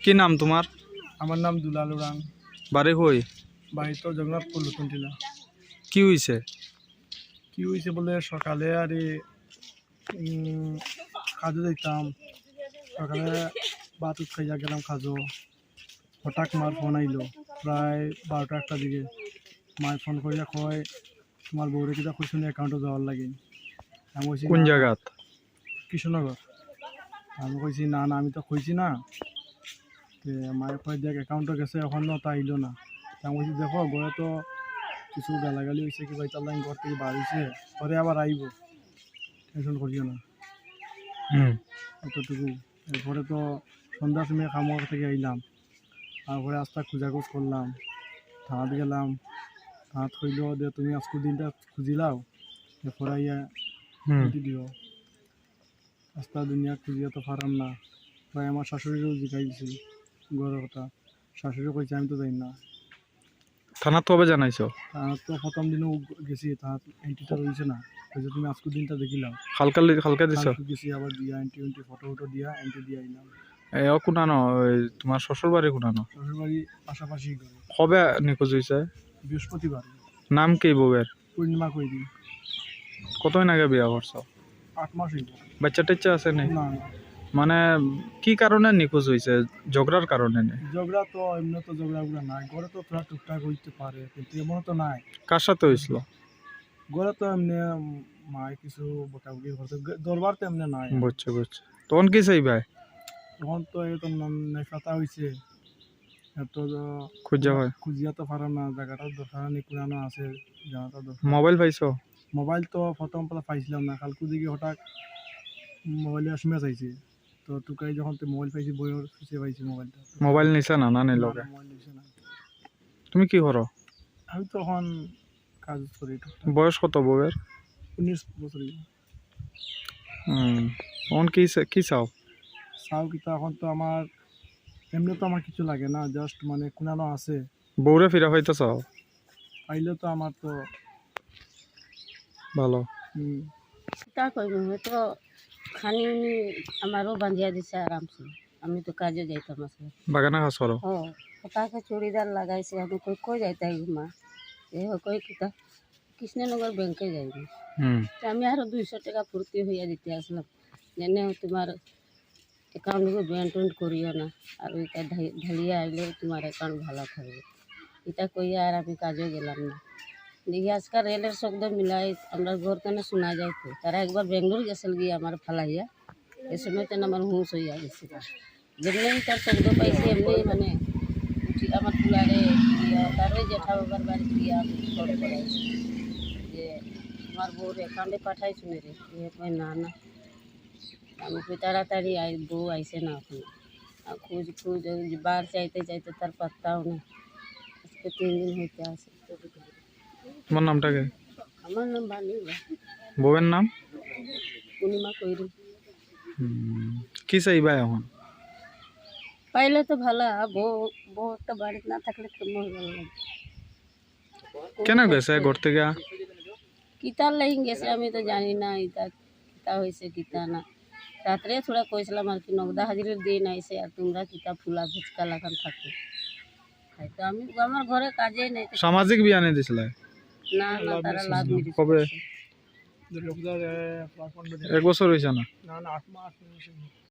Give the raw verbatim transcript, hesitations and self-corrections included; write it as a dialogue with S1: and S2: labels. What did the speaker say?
S1: কি নাম তোমার?
S2: আমার নাম দুলাল উড়ান।
S1: বাড়ি কই?
S2: বাড়ি তো জগন্নাথপুর নতুন টিলা।
S1: কি হইছে?
S2: কি হয়েছে বলে সকালে আর কাজে যাইতাম, সকালে ভাত খাইয়া গেলাম কাজও, হঠাৎ মার ফোন আইলো প্রায় বারোটা একটা দিকে। মায়ের ফোন করিয়া কয় তোমার বউরে কিনা খুশি অ্যাকাউন্টে যাওয়ার লাগে। আমি কইছি
S1: কোন
S2: না,
S1: জায়গাত?
S2: কৃষ্ণনগর। আমি কইছি না না আমি তো কইছি না। মায়ের কয় দেখ অ্যাকাউন্টে গেছে, এখনও তা আইলো না। আমি কইছি দেখো ঘরে তো কিছু গালাগালি হয়েছে, কি বাইতার লাইন ঘর থেকে বার হয়েছে, পরে আবার আইব, টেনশন করিও না।
S1: হুম
S2: এতটুকু। এরপরে তো সন্ধ্যার সময় খামোয়ার থেকে আইলাম, তারপরে আস্তে খোঁজাখোঁজ করলাম, থানাত গেলাম। থানাত কইল যে তুমি আজকের দিনটা খুঁজিলাও, এরপরে আইয়া
S1: হুম
S2: ছুটি দিও। রাস্তা দুনিয়া খুঁজিয়া তো পারাম না। প্রায় আমার শাশুড়িরও জিগাই দিছি ঘরের কথা। শাশুড়িও কইছে আমি তো যাই না।
S1: থানাত কবে জানাইছো?
S2: তার তো প্রথম দিনও গেছি, তার এন্ট্রিটা রয়েছে না, কইছে তুমি আজকের দিনটা দেখিলাম।
S1: হালকা হালকা দিছ?
S2: কালকে গেছি আবার দিয়া এন্ট্রি এন্ট্রি ফটো ফটো দিয়া এন্ট্রি দিয়ে আইলাম।
S1: এ ও কোনানো? ওই তোমার শ্বশুর বাড়ি কোনানো?
S2: শ্বশুর বাড়ি পাশাপাশি ঘরে।
S1: কবে নিখোঁজ হয়েছে?
S2: বৃহস্পতিবার।
S1: নাম কি বউয়ের?
S2: পূর্ণিমা কইরি।
S1: কতদিন আগে বিয়া করছো?
S2: আট মাস হইল।
S1: বাচ্চা টাচ্চা আছে নি?
S2: না না,
S1: মানে কি কারণে নিখোঁজ হয়েছে? ঝগড়ার কারণে নি?
S2: ঝগড়া তো এমনি তো ঝগড়া গুলা নাই, ঘরে তো তোরা টুকটাক হইতে পারে, কিন্তু এমন তো নাই।
S1: কার সাথে হয়েছিল?
S2: ঘরে তো এমনি মায় কিছু বকাবকি করতে, দরবার তো এমনি নাই।
S1: বুঝছে বুঝছে। তখন কি চাই ভাই?
S2: তখন তো এই তো নেশাতা হয়েছে, এত
S1: খুঁজা হয়?
S2: খুঁজিয়া তো পারা না, জায়গাটার দরকার নেই, কোরআনো আছে জায়গাটা দরকার।
S1: মোবাইল পাইছো?
S2: মোবাইল তো প্রথম পেলা পাইছিলাম না, কালকে দিকে হঠাৎ মোবাইলে এসএমএস আইছে, তো টুকাই যখন তো মোবাইল পাইছি বইয়ের খুঁজে পাইছি মোবাইলটা।
S1: মোবাইল নিছে না? না নিল?
S2: মোবাইল নিছে না।
S1: তুমি কি করো?
S2: আমি তখন কাজ করি।
S1: বয়স কত বউয়ের?
S2: উনিশ বছর।
S1: হুম তখন কি কি চাও?
S2: চাও কিতা এখন তো আমার এমনি তো আমার কিছু লাগে না, জাস্ট মানে কোনানো আছে।
S1: বউরে ফিরা পাইতে চাও?
S2: পাইলে তো আমার তো
S1: ভালো।
S2: হুম
S3: তা কইব হয়তো খানি উনি আমারও বাঁধিয়া দিছে আরামসে। আমি তো কাজে যাইতাম আসলে।
S1: বাগানে কাজ করো?
S3: ও তাকে চুড়িদার লাগাইছে, আমি কই কই যাইতাই মা, এ কই কিতা কৃষ্ণনগর ব্যাংকে যাইবি।
S1: হুম
S3: আমি আরো দুইশো টাকা ফুর্তি হইয়া দিতে আসলাম, যেনে তোমার অ্যাকাউন্টে ব্যান্ড ট্যান্ড করিও না, আর ওইটা ঢালিয়া আইলে তোমার অ্যাকাউন্ট ভালো থাকবে। এটা কইয়া আর আমি কাজে গেলাম না। দেখি আজকাল রেলের শব্দ মিলাই আমরা ঘর কেনে শোনা যায়, তো তারা একবার বেঙ্গলোর গেছিল গিয়ে আমার ফালাইয়া, এ সময় তেন আমার হুঁশ হইয়া গেছিল। যেমনি তার শব্দ পাইছি এমনি মানে উঠি আমার তুলারে দিয়া তার ওই জেঠা বাবার বাড়ি দিয়া আমি ফোন করাইছি যে আমার বউর অ্যাকাউন্টে পাঠাই শুনে রে। এ কয় না না। আমি কই তাড়াতাড়ি আই, বউ আইসে না এখন। আর খুঁজ খুঁজ বার চাইতে চাইতে তার পাত্তাও না, আজকে তিন দিন হইতে আসে।
S1: তোমার নামটা কি?
S3: আমার নাম বানি,
S1: বউয়ের নাম?
S3: পূর্ণিমা কইরি।
S1: কি চাইবা এখন?
S3: পাইলে তো ভালো, বউ বউ একটা বাড়িতে না থাকলে কেমন ভালো লাগে।
S1: কেন গেছে ঘর থেকে?
S3: কিতার লাগি গেছে আমি তো জানি না, ইতা কিতা হয়েছে কিতা না। রাত্রে থোড়া কইছিলাম আর কি নগদা হাজিরের দিন আইসে আর তোমরা কিতা ফুলা ফুচকা লাগান থাকো। তো আমি আমার ঘরে কাজে নেই।
S1: সামাজিক বিয়া নিয়ে দিছিলে?
S3: না না, তারা লাভ মিলি
S1: কবে? এক বছর হয়েছে না?
S2: না না, আট মাস।